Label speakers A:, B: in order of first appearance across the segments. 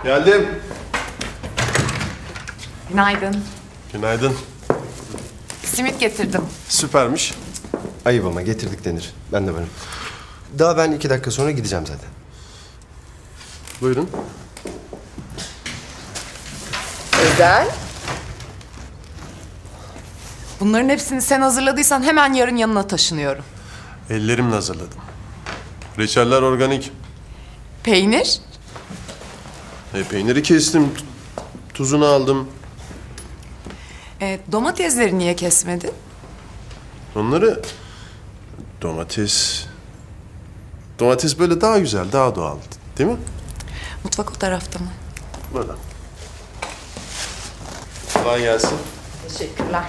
A: Geldim.
B: Günaydın.
A: Günaydın.
B: Simit getirdim.
A: Süpermiş.
C: Ayıp ama getirdik denir. Ben de varım. Daha ben 2 dakika sonra gideceğim zaten.
A: Buyurun.
B: Özel. Bunların hepsini sen hazırladıysan hemen yarın yanına taşınıyorum.
A: Ellerimle hazırladım. Reçeller organik.
B: Peynir?
A: Peyniri kestim. Tuzunu aldım.
B: Domatesleri niye kesmedin?
A: Onları... Domates böyle daha güzel, daha doğal. Değil mi?
B: Mutfak o tarafta mı?
A: Burada. Kolay gelsin.
B: Teşekkürler.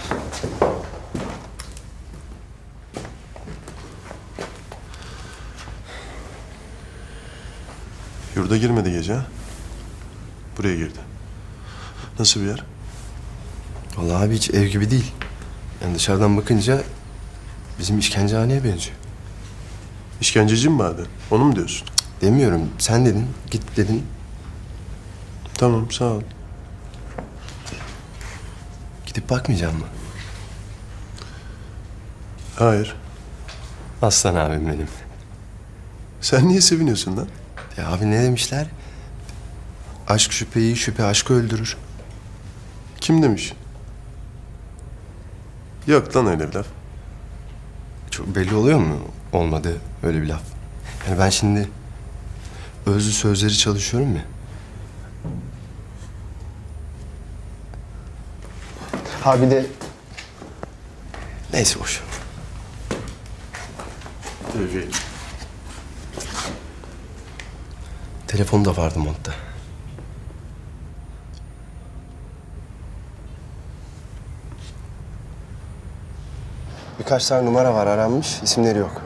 A: Yurda girmedi gece ha? Buraya girdi. Nasıl bir yer?
C: Vallahi abi hiç ev gibi değil. Yani dışarıdan bakınca bizim işkencehaneye benziyor.
A: İşkenceci mi vardı? Onu mu diyorsun?
C: Demiyorum. Sen dedin, git dedin.
A: Tamam, sağ ol.
C: Gidip bakmayacağım mı?
A: Hayır.
C: Aslan abim benim.
A: Sen niye seviniyorsun lan?
C: Ya abi ne demişler? Aşk şüpheyi, şüphe aşkı öldürür.
A: Kim demiş? Yok lan öyle bir laf.
C: Çok belli oluyor mu? Olmadı öyle bir laf. Yani ben şimdi özlü sözleri çalışıyorum ya. Ha bir de... Neyse boş.
A: Tevfik.
C: Telefonu da vardı montta. Birkaç tane numara var aranmış, isimleri yok.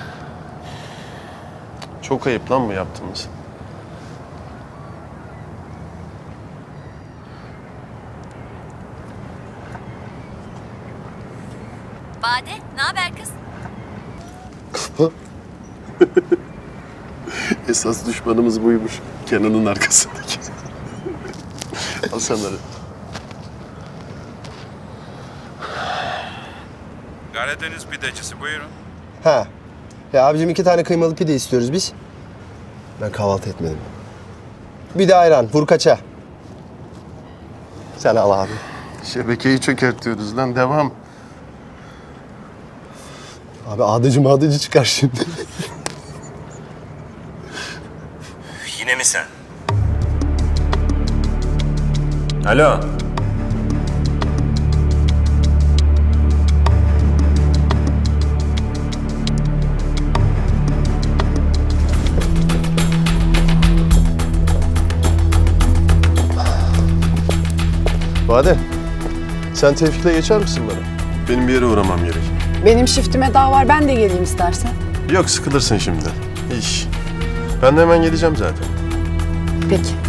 A: Çok ayıp lan bu yaptığımız.
D: Bade, ne haber kız?
A: Esas düşmanımız buymuş. Kenan'ın arkasındaki. Al sanları.
E: Karadeniz pidecisi buyurun.
C: Ha. Ya abicim 2 tane kıymalı pide istiyoruz biz. Ben kahvaltı etmedim. Bir de ayran, vurkaça. Sen al abi.
A: Şebekeyi çökertiyoruz lan. Devam.
C: Abi ağdıcı çıkar şimdi.
E: Yine mi sen? Alo.
A: Bade, sen Tevfik'le geçer misin bana? Benim bir yere uğramam gerek.
F: Benim shiftime daha var. Ben de geleyim istersen.
A: Yok, sıkılırsın şimdi. İş. Ben de hemen geleceğim zaten.
F: Peki.